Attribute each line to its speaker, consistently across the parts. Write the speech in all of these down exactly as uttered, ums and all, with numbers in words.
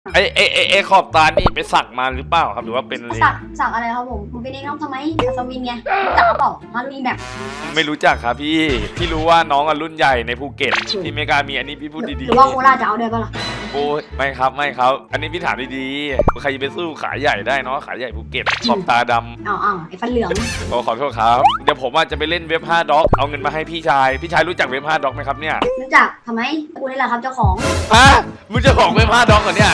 Speaker 1: ไอ้ไอ้ไอ้ไอ้ขอบตานี่ไปสักมาหรือเปล่าครับหรือว่าเป็นอะไร
Speaker 2: สักสักอะไรครับผมมึงเป็นเองน้องทำไมอัศวินไงรู้จักเปล่ามาลุยแบบ
Speaker 1: ไม่รู้จักครับพี่พี่รู้ว่าน้องอะรุ่นใหญ่ในภูเก็ตที่ไม่กล้ามีอันนี้พี่พูด
Speaker 2: ห
Speaker 1: ดี
Speaker 2: รือว่าโคราชจะเอาด้วยปะล่ะ
Speaker 1: ๆโอ้ยไม่ครับไม่ครับ อันนี้พี่ถามดีๆใครจะไปสู้ขาใหญ่ได้เนาะขาใหญ่ภูเก็ตขอบตาดำ
Speaker 2: อ้าวอ้าวไอ้ฟันเหลือง
Speaker 1: โอ้ขอโทษครับเดี๋ยวผมว่าจะไปเล่นเว็บห้าด็อกเอาเงินมาให้พี่ชายพี่ชายรู้จักเว็บห้าด็อกไหมครับเนี่ย
Speaker 2: รู้จักทำไมกูนี่แหละครับเจ้าของ
Speaker 1: ฮะมึงจะของเว็บห้าด็อกเหรอเนี่ย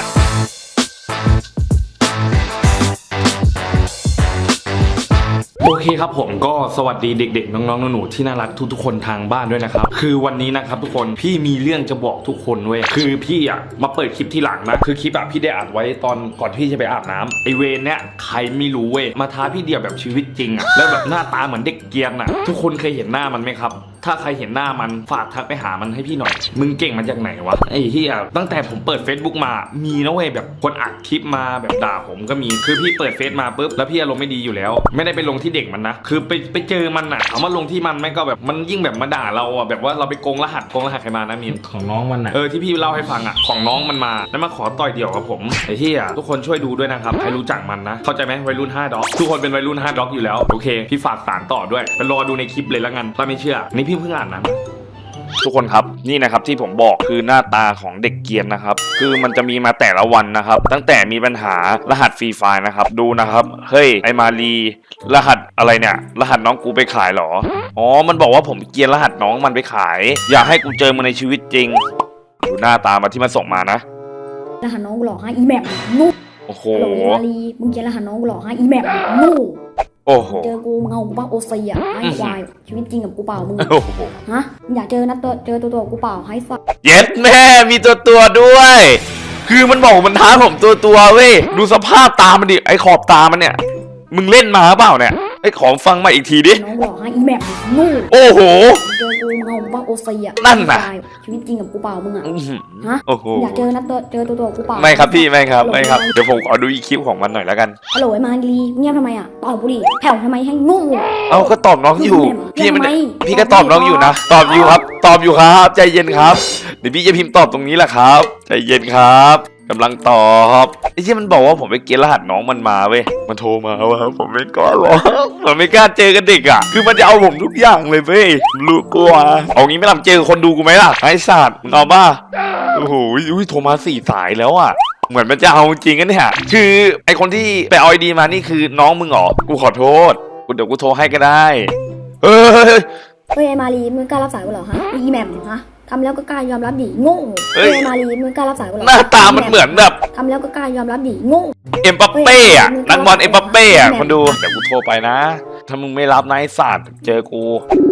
Speaker 1: โอเคครับผมก็สวัสดีเด็กๆน้องๆหนูๆที่น่ารักทุกๆคนทางบ้านด้วยนะครับคือวันนี้นะครับทุกคนพี่มีเรื่องจะบอกทุกคนเว้ยคือพี่อ่ะมาเปิดคลิปที่หลังนะคือคลิปอ่ะพี่ได้อัดไว้ตอนก่อนที่จะไปอาบน้ำไอเวนเนี้ยใครไม่รู้เว้ยมาท้าพี่เดียวแบบชีวิตจริงอ่ะแล้วแบบหน้าตาเหมือนเด็กเกรียนอ่ะทุกคนเคยเห็นหน้ามันไหมครับถ้าใครเห็นหน้ามันฝากทักไปหามันให้พี่หน่อยมึงเก่งมาจากไหนวะไอ้ที่อ่ะตั้งแต่ผมเปิด Facebook มามีนะเว้ยแบบคนอัดคลิปมาแบบด่าผมก็มีคือพี่เปิดเฟซมาปุ๊บแล้วพี่อารมณ์ไม่ดีอยู่แล้วไม่ได้ไปลงที่เด็กมันนะคือไปไปเจอมันอ่ะเอามาลงที่มันแม่งก็แบบมันยิ่งแบบมาด่าเราอ่ะแบบว่าเราไปโกงรหัสโกงรหัสใครมานะมินของน้องมันอ่ะเออที่พี่เล่าให้ฟังอ่ะของน้องมันมาแล้วมาขอต่อยเดี่ยวกับผมไอ้ที่อ่ะทุกคนช่วยดูด้วยนะครับใครรู้จักมันนะเข้าใจไหมวัยรุ่นห้าด็อกทุกคนเป็นวัยรุ่นห้าด็อกอยู่แล้วโอเคพี่ฝากสารต่อด้วยไปรอดูในคลิปเลยละกันถ้าไม่เชื่อนี่พี่เพิ่งอ่านนะทุกคนครับนี่นะครับที่ผมบอกคือหน้าตาของเด็กเกรียนนะครับคือมันจะมีมาแต่ละวันนะครับตั้งแต่มีปัญหารหัสฟรีไฟล์นะครับดูนะครับเฮ้ยไอมารีรหัสอะไรเนี่ยรหัสน้องกูไปขายเหรออ๋อมันบอกว่าผมเกรียนรหัสน้องมันไปขายอยากให้กูเจอมันในชีวิตจริงดูหน้าตามาที่มันส่งมานะ
Speaker 3: รหัสน้องกูหลอกให้อีแมปนู่
Speaker 1: โอ้โห
Speaker 3: โหลยมาลีมึงเขียนรหัสน้องกูหลอกให้อีแมปนู่
Speaker 1: โอ้โห
Speaker 3: เจอกูมึงเอากูป่ะโอซีอ่ะไอ้ควายชีวิตจริงกับกูเปล่ามึง
Speaker 1: โอ้โห
Speaker 3: ฮะมึงอยากเจอนัดตัวเจอตัวตัวกูเปล่าให้สัก
Speaker 1: เย็ดแม่มีตัวตัวด้วย คือมันบอกมันท้าผมตัวตัวเว้ยดูสภาพตามันดิไอขอบตามันเนี่ยมึงเล่นมาเปล่าเนี่ยไอขอฟังมาอีกทีดิ
Speaker 3: น้องกูหลอกให้อีแมปนู่
Speaker 1: โอ้โห
Speaker 3: เจอกูมึงเอากูป่ะโอซีอ่ะ
Speaker 1: นั่นน่ะ
Speaker 3: ไอ้ควายชีวิตจริงกับกูเปล่ามึงอ่ะ
Speaker 1: อื้อหือ
Speaker 3: ฮะ
Speaker 1: โอ้โห
Speaker 3: มึงอยากเจอนัดตัวเจอตัวตัวกูเปล่า
Speaker 1: ไม่ครับพี่ไม่ครับไม่ครับเดี๋ยวผมขอดูอีกคลิปของมันหน่อยแล้วกัน
Speaker 3: ฮัลโหลไอ้มาลีเงียบทำไมอ่ะตอบกูดิแผ่วทำไมให้งู
Speaker 1: เอาก็ตอบน้องอยู่
Speaker 3: พี่
Speaker 1: พี่มัน
Speaker 3: ทำไม
Speaker 1: พี่ก็ตอบน้องอยู่นะตอบอยู่ครับ ตอบอยู่ครับใจเย็นครับเดี๋ยวพี่จะพิมพ์ตอบตรงนี้แหละครับใจเย็นครับกำลังตอบไอ้ที่มันบอกว่าผมไปเกณฑ์รหัสน้องมันมาเว้ยมันโทรมาว่าผมไม่กล้าหรอกผมไม่กล้าเจอกันเด็กอ่ะคือมันจะเอาผมทุกอย่างเลยเว้ยรู้กลัวเอางี้ไม่ทำเจอคนดูกูไหมล่ะไอ้สัตว์มึงเอาบ้าโอ้โหอุ้ยโทรมาสี่สายแล้วอ่ะเหมือนมันจะเอาจริงกันเนี่ยคือไอคนที่ไปเอาไอดีมานี่คือน้องมึงเหรอกูขอโทษกูเดี๋ยวกูโทรให้ก็ได้เฮ้ย
Speaker 3: เฮ้ยไอ้มาลีมึงกล้ารับสายกูเหรอฮะอีแมปฮะทำแล้วก็กล้ายอมรับดิโง่
Speaker 1: เฮ้
Speaker 3: เฮ้
Speaker 1: ย
Speaker 3: ยไอ้มาลีมึงกล้ารับสายกูเหรอ
Speaker 1: หน้าตามันเหมือนแบบ
Speaker 3: ทำแล้วก็กล้ายอมรับดิโง่
Speaker 1: เอ็มบัปเป้อะนักบอลเอ็มบัปเป้อะคนดูเดี๋ยวกูโทรไปนะ ถ้ามึงไม่รับนะไอ้สัตว์เจอกู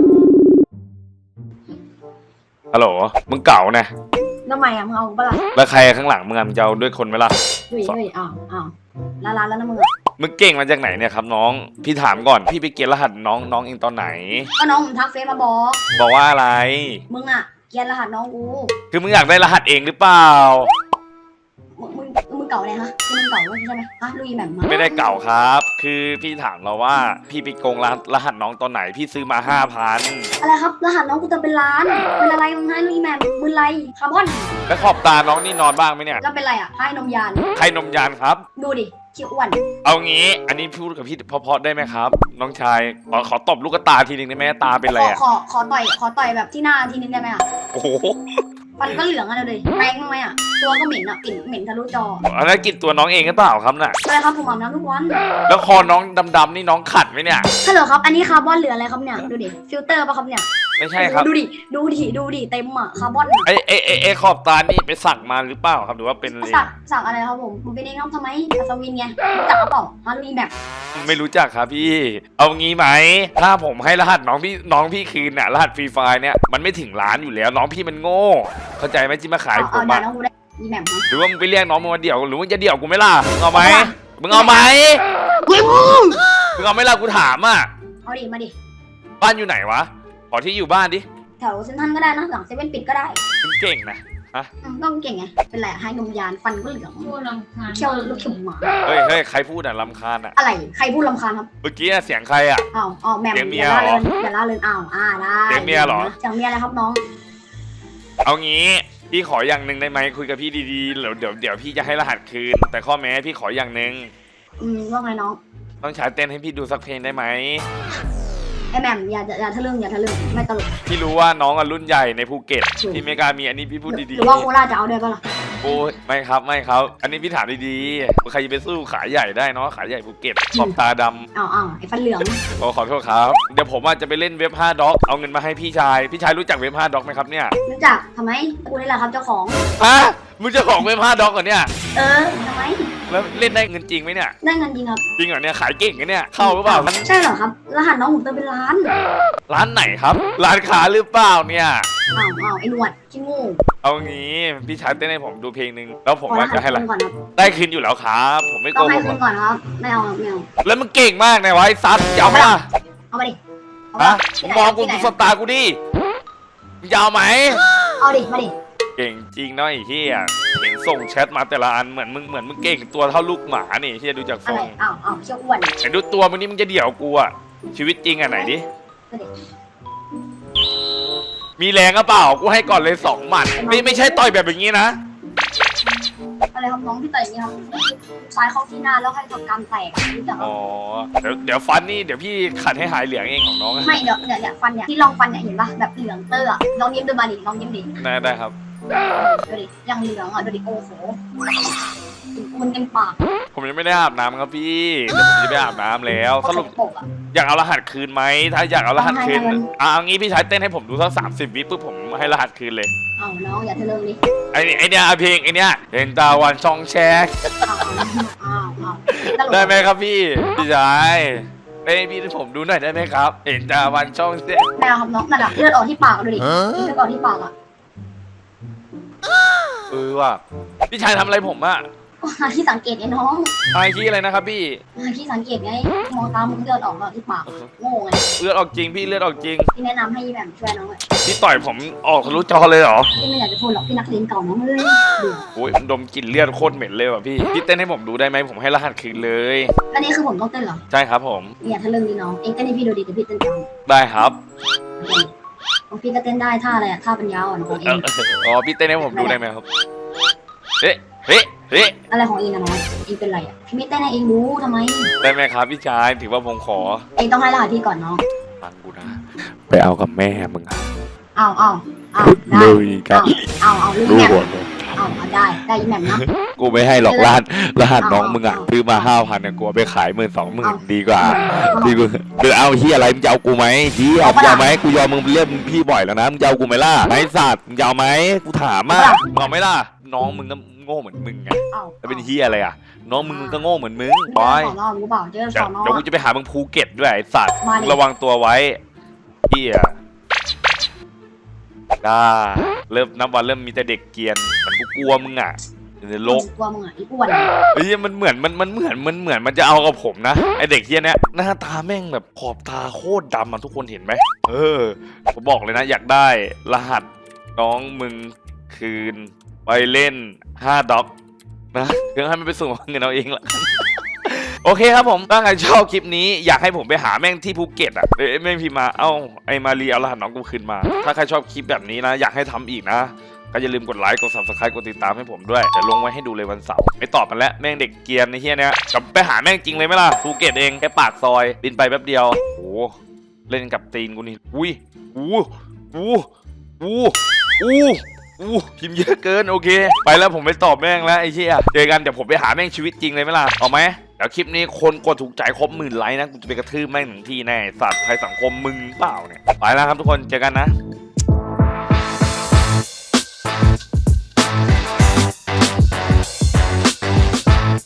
Speaker 1: ฮัลโหลมึงเก่านะ
Speaker 2: ทำไมอ่ะมึงเอากูปะล่ะ
Speaker 1: แล้วใครข้างหลังมึงอะมึงจะเอาด้วยคนไหมล่ะ
Speaker 2: เฮ้ยเฮ้ยอ้าวอ้าวลาลาแล้วนะมึงอ่ะ
Speaker 1: มึงเก่งมาจากไหนเนี่ยครับน้องพี่ถามก่อนพี่ไปเกณฑ์รหัสน้องน้องเองตอนไหน
Speaker 2: ก็น้องผมทักเฟซมาบอก
Speaker 1: บอกว่าอะไร
Speaker 2: มึงอ่ะเกียนรหัสน้องกู
Speaker 1: คือมึงอยากได้รหัสเองหรือเปล่า
Speaker 2: มึงมึงมึงเก่าอะไรฮะมึงเก่าใช่ไหมฮะลุยแบบมา
Speaker 1: ไม่ได้เก่าครับ คือพี่ถามเราว่าพี่ไปโกงรหัสรหัสน้องตอนไหนพี่ซื้อมาห้าพัน
Speaker 2: อะไรครับรหัสน้องกูเติมเป็นล้านเป็นอะไรมึงให้ลุยแบบมึงไรคาร์บอน
Speaker 1: แล้วขอบตาน้องนี่นอนบ้างไหมเนี่ย
Speaker 2: แล้วเป็นไรอ่ะให้นมยาน
Speaker 1: ใครนมยานครับ
Speaker 2: ดูดิเขียวอ้วน
Speaker 1: เอางี้ อันนี้พูดกับพี่เพราะๆได้ไหมครับ น้องชายขอขอตบลูกตาทีนึงได้ไหมตาเป็นไร
Speaker 2: ขอ
Speaker 1: อ่ะ
Speaker 2: ขอขอต่อยขอต่อยแบบที่หน้าทีนึงได้ไหมอ่ะ
Speaker 1: โอ้โห
Speaker 2: ฟันก็เหลืองอะเลยแปรงบ้างไหมอ่ะตัวก็เหม็นอ่ะกลิ่นเหม็นทะลุจอ
Speaker 1: อันนั้นกินตัวน้องเองหรือเปล่าครับน่ะ
Speaker 2: อะไรครับผมอาบน้ำทุกวัน
Speaker 1: แล้วคอน้องดำๆนี่น้องขัดไหมเนี่ย
Speaker 2: ฮัลโหลครับอันนี้คาร์บอนเหลืออะไรครับเนี่ยดูดิฟิลเตอร์ป่ะครับเนี่ย
Speaker 1: ไม่ใช่ครับ
Speaker 2: ดูดิดูดิดูดิเต็มอ่ะคาร์บอนอะ
Speaker 1: ไอไอไอไอขอบตานี่ไปสักมาหรือเปล่าครับหรือว่าเป็นอะไร
Speaker 2: สักสักอะไรครับผมมึงเป็นเองน้องทำไมอัศวินไงรู้จักเปล่ามาลุยแบบ
Speaker 1: ไม่รู้จักครับพี่ เอางี้ไหมถ้าผมให้รหัสน้องพี่น้องพี่คืนน่ะรหัสฟรีไฟล์เนี่ยมันไม่ถึงล้านอยู่แล้วน้องพี่มันโง่ เข้าใจไหมที่มาขาย
Speaker 2: เอา
Speaker 1: ผ
Speaker 2: เอา
Speaker 1: ม
Speaker 2: ด่า
Speaker 1: อะ
Speaker 2: น้องกูได้อีแบบนะ
Speaker 1: หรือว่ามึงไปเรียกน้องมึงมาเดี่ยวหรือมึงจะเดี่ยวกูไหม่ล่ะมึงเอาไหมมึงเอาไหมมึงเอาไหม่ล่ะกูถามอ่ะ
Speaker 2: เอาดิมาดิ
Speaker 1: บ้านอยู่ไหนวะขอที่อยู่บ้านดิ
Speaker 2: แถวเซ็นทรัลก็ได้นะหลังเซเว่นปิดก็ได้
Speaker 1: มึงเก่งนะ
Speaker 2: อืมต้องเก่งไงเป็นไรอะให้นมยานฟันก็เหลือง
Speaker 4: พูดรำคาญ
Speaker 2: เขี้ยวลูกเข็มหมา
Speaker 1: เฮ้ยเฮ้ยใครพูดอ่ะรำคาญอ่ะ
Speaker 2: อะไรใครพูดรำคาญครับ
Speaker 1: เมื่อกี้อะเสียงใครอ่ะ
Speaker 2: อ้าวอ้าวแหม่ม
Speaker 1: เสียงเมี
Speaker 2: อย ย่าล่า
Speaker 1: เหรอ
Speaker 2: เรินอย่าล่าเรินอ้าวอ่าได้
Speaker 1: เสียงเมียเหรอ
Speaker 2: เสียงเมียอะไรครับน้อง
Speaker 1: เอางี้พี่ขออย่างหนึ่งได้ไหมคุยกับพี่ดีๆเดี๋ยวเดี๋ยวเดี๋ยวพี่จะให้รหัสคืน แต่ข้อแม้พี่ขออย่างหนึ่ง
Speaker 2: อืมว่าไงน้อง
Speaker 1: ต้องใช้เต้นให้พี่ดูสักเพลงได้ไหม
Speaker 2: ไอแหม่มอย่าอย่าทะลึ่งอย่าทะลึ่งไม่ตลก
Speaker 1: พี่รู้ว่าน้องอะรุ่นใหญ่ในภูเก็ต
Speaker 2: ถูก
Speaker 1: พี่ไม่กล้ามีอันนี้พี่พูด
Speaker 2: ห
Speaker 1: ดี
Speaker 2: รือว่าโคราชจะเอาด้วยปะล่ะ
Speaker 1: ๆโอ้ยไม่ครับไม่ครับ อันนี้พี่ถามดีๆใครจะไปสู้ขายใหญ่ได้เนาะขายใหญ่ภูเก็ตขอบตาดำ
Speaker 2: อ้าวอ้าวไอฟันเหลือง
Speaker 1: ขอขอโทษครับเดี๋ยวผมอาจจะไปเล่นเว็บห้าด็อกเอาเงินมาให้พี่ชายพี่ชายรู้จักเว็บห้าด็อกไหมครับเนี่ย
Speaker 2: รู้จักทำไมกูนี่แหละครับเจ้าของ
Speaker 1: ฮะมึงจะของเว็บห้าด็อกเหรอเนี่ย
Speaker 2: เออทำไม
Speaker 1: แล้วเล่นได้เงินจริงไหมเนี่ย
Speaker 2: ได้เงินจริงครับ
Speaker 1: จริงเหรอเนี่ยขายเก่งกันเนี่ยเข้าหรือเปล่า
Speaker 2: ใช่เหรอครับรหัสน้องผมเติมเป็นล้าน
Speaker 1: ร้านไหนครับร้านค้าหรือเปล่าเนี่ย
Speaker 2: อ้าวอ้าวไอหนวดขี้งู
Speaker 1: เอางี้พี่ชายเต้นให้ผมดูเพลงหนึ่งแล้วผม
Speaker 2: ขอร
Speaker 1: ว่า
Speaker 2: หัส
Speaker 1: จะให้
Speaker 2: คื
Speaker 1: ละ
Speaker 2: นก่อนครับ
Speaker 1: ได้คืนอยู่แล้วครับ ผมไม่โก
Speaker 2: ต้อง
Speaker 1: ห
Speaker 2: ให้
Speaker 1: กห
Speaker 2: คื
Speaker 1: ร
Speaker 2: น
Speaker 1: อก
Speaker 2: ก่อนครับไม่เอาครับไม่เอา
Speaker 1: แล้วมึงเก่งมากนะวะไอ้ซัดจะเอาไหมล่ะ
Speaker 2: เอามาดิเอา
Speaker 1: ฮะ
Speaker 2: ที่
Speaker 1: มึง
Speaker 2: ไหน
Speaker 1: มองกู
Speaker 2: ที่ไหน
Speaker 1: ดูสตาร์กูดิมึงจะเอาไหม
Speaker 2: เอาดิมาดิ
Speaker 1: เก่งจริงเนาะไอ้เหี้ยเห็นส่งแชทมาแต่ละอันเหมือนมึงเหมือนมึงเก่งตัวเท่าลูกหมานี่เหี้ยดูจากท
Speaker 2: อะ
Speaker 1: ร
Speaker 2: ไรง อ้าวอ้าวเชี่ยวอ้วน
Speaker 1: แต่ดูตัวมึงนี่มึงจะเดี่ยวกูอะชีวิตจริงอะไหนดิ
Speaker 2: มาดิ
Speaker 1: มีแรงก็เปล่ากูให้ก่อนเลยสองหมัดไม่ไม่ใช่ต่อยแบบอย่างนี้นะ
Speaker 2: อะไรครับน้องที่ต่อยอย่างนี้ครับซ้ายเข้าที่หน้าแล้วให้ทำกรรมแตกรู้จัก
Speaker 1: อ๋อเดี๋ยวเดี๋ยวฟันนี่เดี๋ยวพี่ขัดให้หายเหลืองเองของน้องอะ
Speaker 2: ไม่เดี๋ยวเนี่ยเนี่ยฟันเนี่ยที่ลองฟันเนี่ยเห็นปะแบบเหลืองเตอร์อะลองยิ้มดูมาดิลองยิ้มดิ
Speaker 1: ได้ได้ครับ
Speaker 2: ดูดิยังเหลืองอ่ะดูดิโอ้โหมันเต็มปาก
Speaker 1: ผมยังไม่ได้อาบน้ำครับพี่เดี๋ยวผมจะไปอาบน้ำแล้วสรุป
Speaker 2: ปกอ่ะ
Speaker 1: อยากเอารหัสคืนไหมถ้าอยากเอารหัสคืน
Speaker 2: เอาให้
Speaker 1: อ่ะเอางี้พี่ชายเต้นให้ผมดูสักสามสิบวิปุ๊บผมให้รหัสคืนเลย
Speaker 2: เอาน้องอย่าทะลึ่งดิ
Speaker 1: ไอ้นี่ไอ้เนี่ยอ่ะเพลงไอ้เนี่ยเห็นตาวันช่องแชก
Speaker 2: อ้าวอ้าวตลก
Speaker 1: ได้ไหมครับพี่พี่ชายเต้นให้พี่ให้ผมดูหน่อยได้ไหมครับ เห็นตาวันช่องแชก
Speaker 2: แมวครับน้องนั่นอะเลือดออกที่ปากดูดิเลือดออกที่ปากอ่ะ
Speaker 1: เออว่ะพี่ชายทำอะไรผมอะ
Speaker 2: ก็หาที่สังเกตไอ้น้อง
Speaker 1: ไอ้ที่อะไรนะครับพี่
Speaker 2: หาที่สังเกตไงมองตามึงเลือดออกแล้วที่ปากโง่ไง
Speaker 1: เลือดออกจริงพี่เลือดออกจริง
Speaker 2: ที่แนะนำให้ยี่แหม่มช่วยน้องเลย
Speaker 1: พี่ต่อยผมออกทะลุจอเลยเหรอ
Speaker 2: ที่ไม่อยากจะพูดหรอกพี่นักเรียนเก่าน้องเลยดู
Speaker 1: โอ้ยดมกลิ่นเลือดโคตรเหม็นเลยว่ะพี่พี่เต้นให้ผมดูได้ไหมผมให้รหัสคืนเลย
Speaker 2: อันนี้คือผมต้องเต้นเหรอ
Speaker 1: ใช่ครับผม
Speaker 2: อย่าทะลึ่งดิน้องเองเต้นให้พี่ดูดิเดี๋ยวพี่เต้นตาม
Speaker 1: ได้ครับ
Speaker 2: ของพี่ก็เต้นได้ท่าอะไรอะท่าปัญญาอ่อนของเอ
Speaker 1: เอ่อง อ๋อพี่เต้นให้ผมดูได้ไหมครับเฮ้เฮ้เฮ้
Speaker 2: อะไรของเองนะน้องเองเป็นไรอะพี่ไม่เต้นให้เองรู้ทำไม
Speaker 1: ได้ไหมครับพี่ชายถือว่าผมขอ
Speaker 2: เองต้องให้รหัสพี่ก่อนน้อง
Speaker 1: ฟังกูนะไปเอากับแม่มึงอะ
Speaker 2: เอาเอาเอาได้
Speaker 1: ลุยกัน
Speaker 2: เอาเอาลูก
Speaker 1: รู้
Speaker 2: แหม่ม
Speaker 1: หมดเลย
Speaker 2: เอาเอาได้ได้ยี่แหม่มนะ
Speaker 1: กูไม่ให้หรอกรหัสรหัสน้องมึงอะ
Speaker 2: เอา
Speaker 1: ซื้อมาห้าพันเนี่ยกูเอาไปขายหมื่นสองหมื่น
Speaker 2: เอา
Speaker 1: ดีกว่า
Speaker 2: เอา
Speaker 1: ดีกว่าเดี๋ยวเอาเฮียอะไรมึงจะเอากูไหมเฮีย
Speaker 2: เอา
Speaker 1: มึ
Speaker 2: ปะ
Speaker 1: งจะ
Speaker 2: ล่ะ
Speaker 1: เอาไหมกูยอมมึงเรียกมึงพี่บ่อยแล้วนะมึงจะเอากูไหมล่ะไอ้สัตว์มึงจะเอาไหมกูถามอ่ะ
Speaker 2: เอาปะล่ะ
Speaker 1: มึงเอาไหมล่ะน้องมึงก็โง่เหมือนมึงไง
Speaker 2: เอา
Speaker 1: แล้วเป็นเฮียอะไรอ่ะน้องมึงมึงก็โง่เหมือนมึง
Speaker 2: บ
Speaker 1: บ
Speaker 2: อ
Speaker 1: อย ย
Speaker 2: สอนอรู้เปล่าเจอ
Speaker 1: เดี๋
Speaker 2: ส
Speaker 1: ยว
Speaker 2: อนอ
Speaker 1: เดี๋ยวกูจะไปหามึงภูเก็ตด้วยไอ้สัตว์
Speaker 2: มาดิ
Speaker 1: ระวังตัวไว้เฮียได้เริ่มนับวันเริ่มมีแต่เด็กเกรียนมันกูกลัวมึงอ่ะในโลก
Speaker 2: กลัวมึงอ่ะอีอ้วน
Speaker 1: เฮ้ยมันเหมือนมันมันเหมือนมันเหมือนมันจะเอากับผมนะไอเด็กเฮียเนี้ยหน้าตาแม่งแบบขอบตาโคตรดำอ่ะทุกคนเห็นไหมเออผมบอกเลยนะอยากได้รหัสน้องมึงคืนไปเล่นห้าด็อกนะเพื่อให้มันไปส่งเงินเอาเองละ โอเคครับผมถ้าใครชอบคลิปนี้อยากให้ผมไปหาแม่งที่ภูเก็ตอ่ะเอ้ยแม่งพิมพ์มาเอ้าไอมารีเอารหัสน้องกูคืนมา ถ้าใครชอบคลิปแบบนี้นะอยากให้ทำอีกนะก็อย่าลืมกดไลค์กด ซับสไครบ์ กดติดตามให้ผมด้วยเดี๋ยวลงไว้ให้ดูเลยวันเสาร์ไม่ตอบมันแล้วแม่งเด็กเกรียนในเฮียเนี้ยกลับไปหาแม่งจริงเลยไหมล่ะภูเก็ตเองแค่ปากซอยบินไปแป๊บเดียวโอ้เล่นกับตีนกูนี่อุ้ยอู้อู้อู้อู้อู้พิมพ์เยอะเกินโอเคไปแล้วผมไปตอบแม่งแล้วไอ้เชี่ยเจอกันเดี๋ยวผมไปหาแม่งชีวิตจริงเลยไหมล่ะเอาไหมเดี๋ยวคลิปนี้คนกดถูกใจครบหมื่นไลค์นะกูจะไปกระทืบแม่งถึงที่แน่สัตว์ภัยสังคมมึงเปล่าเนี่ยไปแล้วครับทุกคนเจอกันนะ